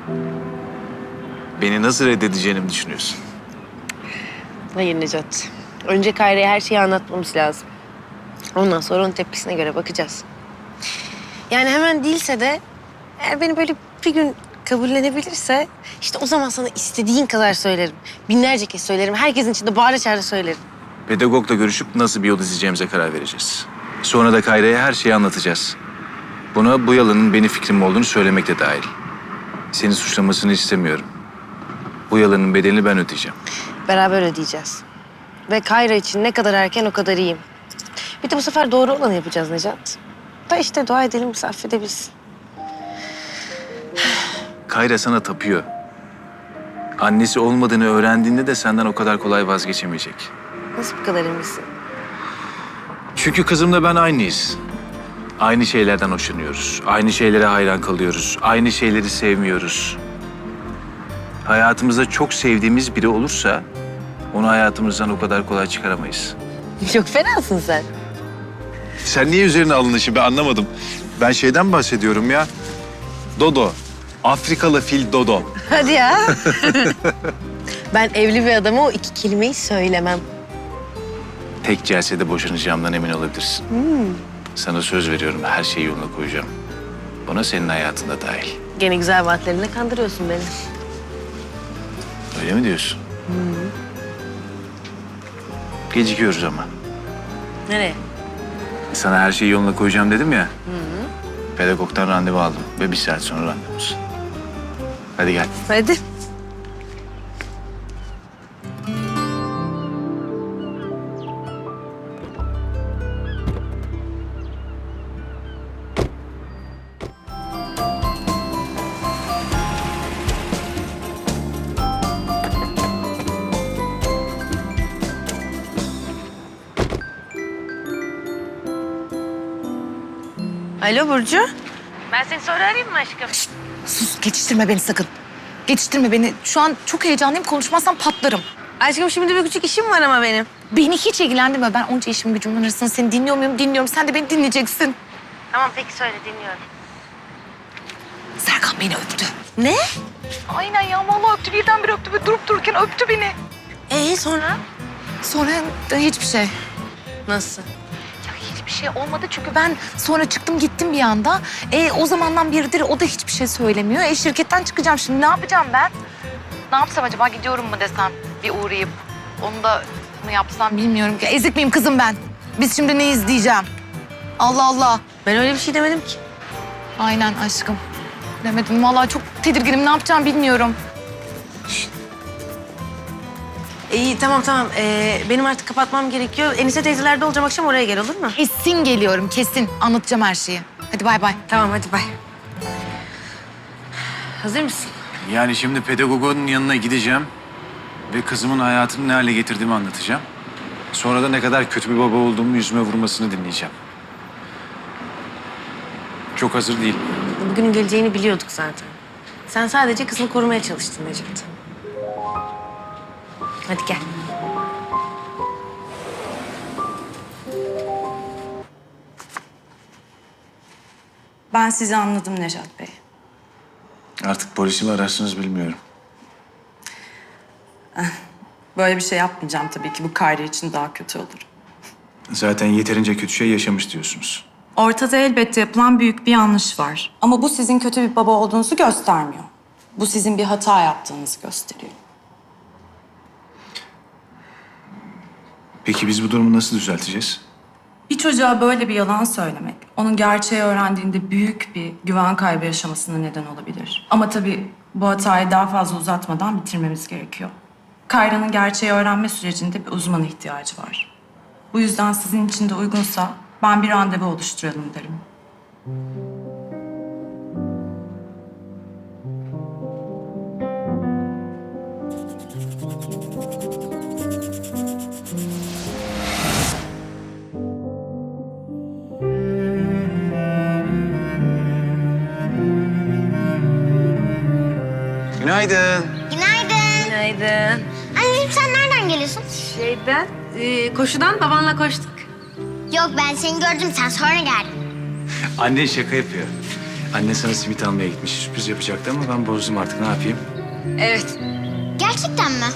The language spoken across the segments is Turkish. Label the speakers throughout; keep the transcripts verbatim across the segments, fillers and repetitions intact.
Speaker 1: Beni nasıl reddedeceğini mi düşünüyorsun?
Speaker 2: Hayır Necat. Önce Kayra'ya her şeyi anlatmamız lazım. Ondan sonra onun tepkisine göre bakacağız. Yani hemen değilse de eğer beni böyle bir gün kabullenebilirse işte o zaman sana istediğin kadar söylerim. Binlerce kez söylerim. Herkesin içinde bağıra çağıra söylerim.
Speaker 1: Pedagogla görüşüp nasıl bir yol izleyeceğimize karar vereceğiz. Sonra da Kayra'ya her şeyi anlatacağız. Buna bu yalanın benim fikrim olduğunu söylemek de dahil. Seni suçlamasını istemiyorum. Bu yalanın bedelini ben ödeyeceğim.
Speaker 2: Beraber ödeyeceğiz. Ve Kayra için ne kadar erken o kadar iyiyim. Bir de bu sefer doğru olanı yapacağız Necat. Da işte dua edelim bizi affedebilsin.
Speaker 1: Kayra sana tapıyor. Annesi olmadığını öğrendiğinde de senden o kadar kolay vazgeçemeyecek.
Speaker 2: Nasıl bu kadar eminsin?
Speaker 1: Çünkü kızımla ben aynıyız. Aynı şeylerden hoşlanıyoruz. Aynı şeylere hayran kalıyoruz. Aynı şeyleri sevmiyoruz. Hayatımızda çok sevdiğimiz biri olursa onu hayatımızdan o kadar kolay çıkaramayız.
Speaker 2: Çok fenasın sen.
Speaker 1: Sen niye üzerine alınışı ben anlamadım. Ben şeyden bahsediyorum ya. Dodo. Afrikalı fil Dodo.
Speaker 2: Hadi ya. Ben evli bir adama o iki kelimeyi söylemem.
Speaker 1: Tek celsede boşanacağımdan emin olabilirsin.
Speaker 2: Hmm.
Speaker 1: Sana söz veriyorum her şeyi yoluna koyacağım. Buna senin hayatında dahil.
Speaker 2: Gene güzel vaatlerinle kandırıyorsun beni.
Speaker 1: Öyle mi diyorsun?
Speaker 2: Hmm.
Speaker 1: Gecikiyoruz ama.
Speaker 2: Nereye?
Speaker 1: Sana her şeyi yoluna koyacağım dedim ya. Hı hı. Pedagogdan randevu aldım ve bir saat sonra randevumuz. Hadi gel.
Speaker 2: Hadi. Alo Burcu. Ben seni sonra arayayım mı aşkım?
Speaker 3: Şişt, sus, geçiştirme beni sakın. Geçiştirme beni. Şu an çok heyecanlıyım. Konuşmazsam patlarım.
Speaker 2: Aşkım şimdi bir küçük işim var ama benim.
Speaker 3: Beni hiç ilgilendirme. Ben onca işim gücümün arasında seni dinliyor muyum? Dinliyorum. Sen de beni dinleyeceksin.
Speaker 2: Tamam peki söyle dinliyorum.
Speaker 3: Serkan beni öptü.
Speaker 2: Ne?
Speaker 3: Aynen ya. Vallahi öptü. Birdenbire öptü ve durup dururken öptü beni.
Speaker 2: Ee sonra?
Speaker 3: Sonra da hiçbir şey.
Speaker 2: Nasıl?
Speaker 3: Ya hiçbir şey olmadı çünkü ben sonra çıktım gittim bir anda. E, o zamandan beridir o da hiçbir şey söylemiyor. E, şirketten çıkacağım şimdi. Ne yapacağım ben? Ne yapsam acaba? Gidiyorum mu desem? Bir uğrayıp onu da mı yapsam bilmiyorum ki. Ezik miyim kızım ben? Biz şimdi ne izleyeceğim? Allah Allah.
Speaker 2: Ben öyle bir şey demedim ki.
Speaker 3: Aynen aşkım. Demedim. Vallahi çok tedirginim. Ne yapacağım bilmiyorum.
Speaker 2: İyi tamam tamam. Ee, benim artık kapatmam gerekiyor. Enise teyzelerde olacağım akşam oraya gel olur mu?
Speaker 3: Kesin geliyorum kesin. Anlatacağım her şeyi. Hadi bay bay.
Speaker 2: Tamam hadi bay. Hazır mısın?
Speaker 1: Yani şimdi pedagogun yanına gideceğim ve kızımın hayatını ne hale getirdiğimi anlatacağım. Sonra da ne kadar kötü bir baba olduğumu yüzüme vurmasını dinleyeceğim. Çok hazır değilim.
Speaker 2: Bugünün geleceğini biliyorduk zaten. Sen sadece kızını korumaya çalıştın Necat. Hadi gel.
Speaker 4: Ben sizi anladım Necat Bey.
Speaker 1: Artık polisi mi ararsınız bilmiyorum.
Speaker 4: Böyle bir şey yapmayacağım tabii ki. Bu Kayra için daha kötü olur.
Speaker 1: Zaten yeterince kötü şey yaşamış diyorsunuz.
Speaker 4: Ortada elbette yapılan büyük bir yanlış var. Ama bu sizin kötü bir baba olduğunuzu göstermiyor. Bu sizin bir hata yaptığınızı gösteriyor.
Speaker 1: Peki biz bu durumu nasıl düzelteceğiz?
Speaker 4: Bir çocuğa böyle bir yalan söylemek, onun gerçeği öğrendiğinde büyük bir güven kaybı yaşamasına neden olabilir. Ama tabii bu hatayı daha fazla uzatmadan bitirmemiz gerekiyor. Kayra'nın gerçeği öğrenme sürecinde bir uzmana ihtiyacı var. Bu yüzden sizin için de uygunsa ben bir randevu oluşturalım derim.
Speaker 1: Günaydın.
Speaker 5: Günaydın.
Speaker 2: Günaydın.
Speaker 5: Anneciğim sen nereden geliyorsun?
Speaker 2: Şeyden, e, koşudan babanla koştuk.
Speaker 5: Yok ben seni gördüm sen sonra geldin.
Speaker 1: Annen şaka yapıyor. Anne sana simit almaya gitmiş. Sürpriz yapacaktı ama ben bozdum artık. Ne yapayım?
Speaker 2: Evet.
Speaker 5: Gerçekten mi?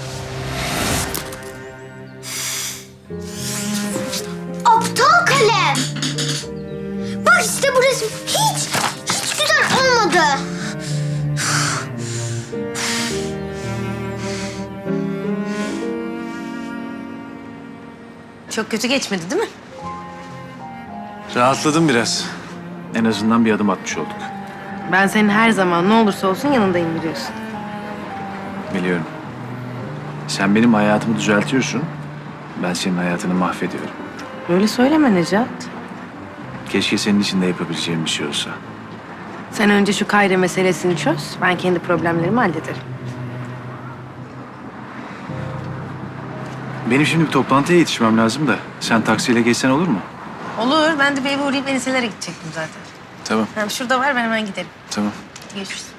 Speaker 5: Aptal kalem. Bak işte bu resim hiç, hiç güzel olmadı.
Speaker 2: Çok kötü geçmedi değil mi?
Speaker 1: Rahatladım biraz. En azından bir adım atmış olduk.
Speaker 2: Ben senin her zaman ne olursa olsun yanındayım biliyorsun.
Speaker 1: Biliyorum. Sen benim hayatımı düzeltiyorsun. Ben senin hayatını mahvediyorum.
Speaker 2: Böyle söyleme Necat.
Speaker 1: Keşke senin için de yapabileceğim bir şey olsa.
Speaker 2: Sen önce şu Kayra meselesini çöz. Ben kendi problemlerimi hallederim.
Speaker 1: Benim şimdi bir toplantıya yetişmem lazım da. Sen taksiyle geçsen olur mu?
Speaker 2: Olur. Ben de bir eve uğrayıp Eniselere gidecektim zaten.
Speaker 1: Tamam,
Speaker 2: Hem şurada var ben hemen giderim.
Speaker 1: tamam.
Speaker 2: Görüşürüz.